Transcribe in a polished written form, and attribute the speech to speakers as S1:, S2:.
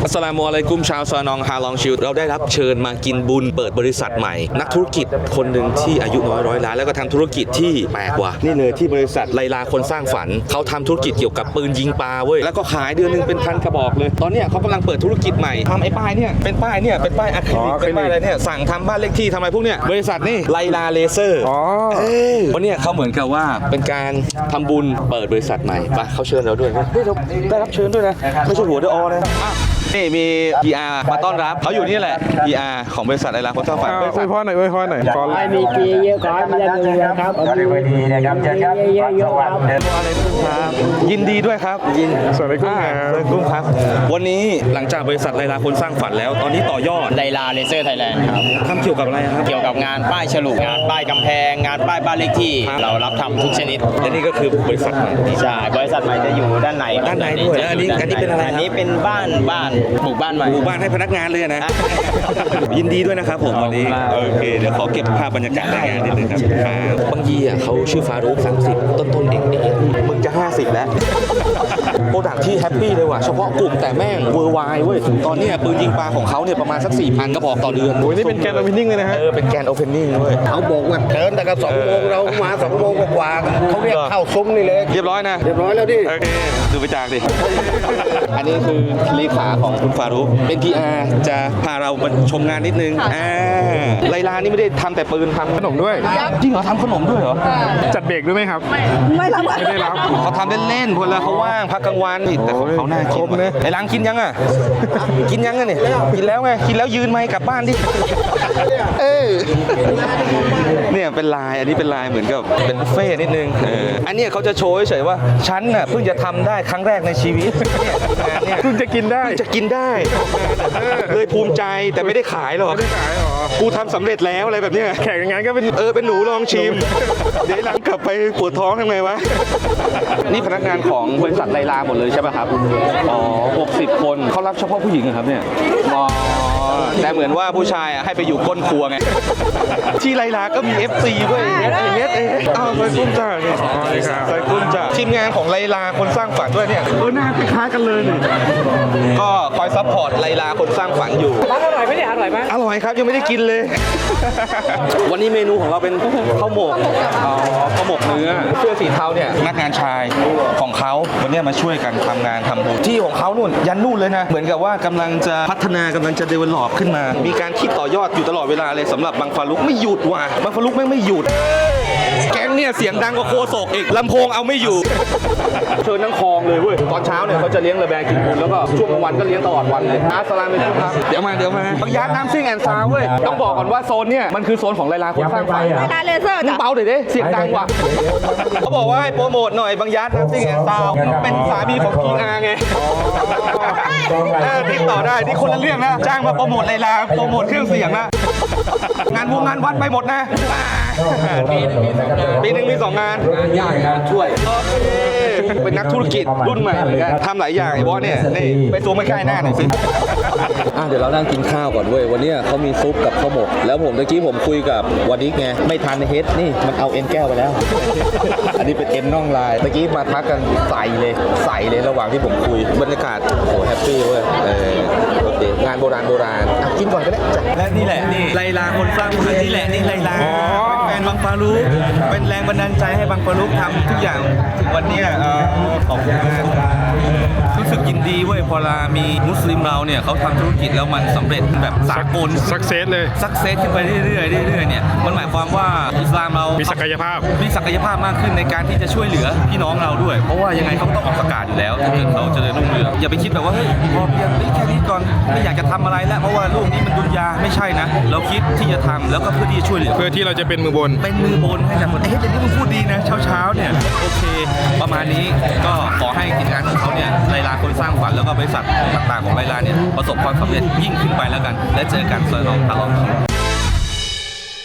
S1: อัสสลามุอะลัยกุมชาวซอนองฮาลองชิลเราได้รับเชิญมากินบุญเปิดบริษัทใหม่นักธุรกิจคนหนึ่งที่อายุน้อยร้อยล้านแล้วก็ทำธุรกิจที่แปลกกว่านี่เลยที่บริษัทไลลาคนสร้างฝันเขาทำธุรกิจเกี่ยวกับปืนยิงปลาเว้ยแล้วก็ขายเดือนนึงเป็นพันกระบอกเลยตอนนี้เขากำลังเปิดธุรกิจใหม่ทำไอ้ป้ายเนี่ยเป็นป้ายอะคริลิกเป็นป้ายอะไรเนี่ยสั่งทำบ้านเลขที่ทำอะไรพวกเนี้ยบริษัทนี่ไลลาเลเซอร์วันนี้เขาเหมือนกับว่าเป็นการทำบุญเปิดบริษัทใหม่ปะเขาเชิญเราด้วยเราได้รับเชิญด้วยนะไม่ใช่หัวเดออนะนี่มี PR มาต้อนรับเขาอยู่นี่แหละ PR ของบริษัทไลลาคนสร้างฝันอวยพรหน่อยขอให้
S2: มีปีเยอะขอให้มีเงินครับขอให้ดีนะครับเจอกันเยอะๆครับ
S1: ยินดีด้วยครับสวัสดีครับวันนี้หลังจากบริษัทไลลาคนสร้างฝันแล้วตอนนี้ต่อยอด
S3: ไลลาเลเซอร์ไทยแลนด์ครับ
S1: ทำเกี่ยวกับอะไรครับ
S3: เกี่ยวกับงานป้ายฉลุงานป้ายกำแพงงานป้ายบ้านเลขที่เรารับทำทุกชนิด
S1: และนี่ก็คือบริษัทใหม่
S3: ใช่บริษัทใหม่จะอยู่ด้านใน
S1: ด้วยแล้วอันนี้เป็นอะไร
S3: อันนี้เป็นบ้านหมู่บ้านใหม่
S1: หมู่บ้านให้พนักงานเลยนะยินดีด้วยนะครับผมวันนี้โอเคเดี๋ยวขอเก็บภาพบรรยากาศในงานนิดนึงครับบางยีเขาชื่อฟารุก30ต้นเองมึงจะ50แล้วโปรดักที่แฮปปี้เลยว่ะเฉพาะกลุ่มแต่แม่งเวอร์ไวเว้ยตอนนี้ปืนยิงปลาของเขาเนี่ยประมาณสัก 4,000 กระบอกต่อเดือน
S4: โอ้ยนี่เป็นแกนโอเพนนิ่งเลยนะฮะ
S1: เป็นแกนโอเพนนิ่งด้วย
S2: เขาบอกว่าเดินแต่กับ2 โมงเรามา2 โมงกว่าเขาเรียกเข้าซุ้มนี่เลย
S1: เรียบร้อย
S2: แล้วดิ
S1: โอเคดูไปจากดิอันนี้คือเลขาของคุณฟารุกเป็น PR จะพาเรามาชมงานนิดนึงไลลานี่ไม่ได้ทำแต่ปืนทำ
S4: ขนมด้วย
S1: จริงเหรอทำขนมด้วยเหรอ
S4: จัดเบรกด้วยไหมครับ
S2: ไม่
S4: ได้รับ
S1: เขาทำเล่นๆคนละเขาว่างพักกลางวันแต่ของเขาน่ากินนะไอ้ล้างกินยังอ่ะกินยังเนี่ยกินแล้วไงกินแล้วยืนไหมกลับบ้านดิเนี่ยเป็นลายอันนี้เป็นลายเหมือนกับเป็นบุฟเฟ่นิดนึงอันนี้เขาจะโชว์เฉยว่าฉันน่ะเพิ่งจะทำได้ครั้งแรกในชีวิต
S4: เพิ่งจะกินได้
S1: เลยภูมิใจแต่ไม่ได้ขายหรอกกูทำสำเร็จแล้วอะไรแบบเนี้ย
S4: แข่งงานก็เป็น
S1: เป็นหนูลองชิมเดี๋ยวหลังกลับไปปวดท้องทำไงวะนี่พนักงานของบริษัทไลลาหมดเลยใช่ป่ะครับ60 คนเขารับเฉพาะผู้หญิงครับเนี่ยแต่เหมือนว่าผู้ชายให้ไปอยู่ก้นครัวไงที่ไลลาก็มี FC ด้วยใส่กุ้งจ้าเนี่ยใส่กุ้งจ้าทีมงานของไลลาคนสร้างฝันด้วยเนี่ย
S4: หน้าคล้ายกันเลยนี่
S1: ก็คอยซัพพอร์ตไลลาคนสร้างฝันอยู่
S2: อร่อยไหมเนี่ยอร่อยไหม
S1: อร่อยครับยังไม่ได้กินเลยวันนี้เมนูของเราเป็นข้าวหมกเนื้อเสื้อสีเทาเนี่ยพนักงานชายของเขาวันนี้มาช่วยกันทำงานทำบุญที่ของเขานู่นยันนู่นเลยนะเหมือนกับว่ากำลังจะพัฒนากำลังจะเดเวลลอปขึ้นมามีการคิดต่อยอดอยู่ตลอดเวลาเลยสำหรับบังฟารุกไม่หยุดว่ะบังฟารุกไม่หยุดแก๊งเนี่ยเสียงดังกว่าโคศกอีกลำโพงเอาไม่อยู่เชิญทั้งคลองเลยเว้ยตอนเช้าเนี่ยเขาจะเลี้ยงระแบงกินบุญแล้วก็ช่วงกลางวันก็เลี้ยงตลอดวันเลยอัสสลามุอะลัยกุมครับเดี๋ยวมาบางยานน้ำซิ่งแอนซาวเว้ยต้องบอกก่อนว่าโซนเนี่ยมันคือโซนของไลลาคนสร้างฝัน
S2: ไลลาเลเซอร์
S1: มึงเบาหน่อยดิเสียงดังว่ะเขาบอกว่าให้โปรโมทหน่อยบางยานน้ำซิ่งแอนซาวเป็นสามีของพีอาร์ไงติดต่อได้ที่คนละเรื่องนะจ้างมาโปรโมทไลลาโปรโมทเครื่องเสียงนะงานวัดไปหมดนะปีนึงมี2 งาน
S2: ยากงานช่วย
S1: เป็นนักธุรกิจรุ่นใหม่เหมือนกันทำหลายอย่างไอ้บอสเนี่ยนี่ไปซูมใกล้หน้าหน่อยสิ
S5: เดี๋ยวเรานั่งกินข้าวก่อนเว้ยวันนี้เขามีซุปกับข้าวหมกแล้วผมตะกี้ผมคุยกับวันนี้ไงไม่ทันเฮดนี่มันเอาเอ็นแก้วไปแล้วอันนี้เป็นเอ็นน่องลายตะกี้มาทักกันใส่เลยระหว่างที่ผมคุยบรรยากาศโหแฮปปี้เว้ยโอเคงานโบราณกินก่อนก็ได้
S1: และนี่แหละนี่ไลลาคนสร้างฝันนี่แหละนี่ไลลาแฟนบังฟารุกเป็นแรงบันดาลใจให้บังฟารุกทำทุกอย่างถึงวันนี้ขอบคุณมากรู้สึกยินดีเว้ยพอมีมุสลิมเราเนี่ยเขาทำธุรกิจแล้วมันสำเร็จแบบสากล
S4: สักเซสเลย
S1: สักเซสขึ้นไปเรื่อยๆเนี่ยมันหมายความว่าอิสลามเรา
S4: มีศักยภาพ
S1: มากขึ้นในการที่จะช่วยเหลือพี่น้องเราด้วยเพราะว่ายังไงเขาต้องออกประกาศอยู่แล้วถ้าเกิดเขาจะได้รุ่งเรืองอย่าไปคิดแบบว่าเฮ้ยพอเพียงแค่นี้ก่อนไม่อยากจะทำอะไรแล้วเพราะว่าลูกนี้มันดุนยาไม่ใช่นะเราคิดที่จะทำแล้วก็เพื่อที่จะช่วยเหลือ
S4: เพื่อที่เราจะเป็นมือบน
S1: ให้จากคนเดี๋ยวนี้มึงพูดดีนะเช้าเนี่ยโอเคประมาณนี้ก็ขอให้กิจการของเขาเนี่ยไลลาคนสร้างฝันแล้วก็บริษัทต่างๆของไลลาเนี่ยประสบความสำเร็จยิ่งขึ้นไปแล้วกันและเจอกันซอยน้องตลอด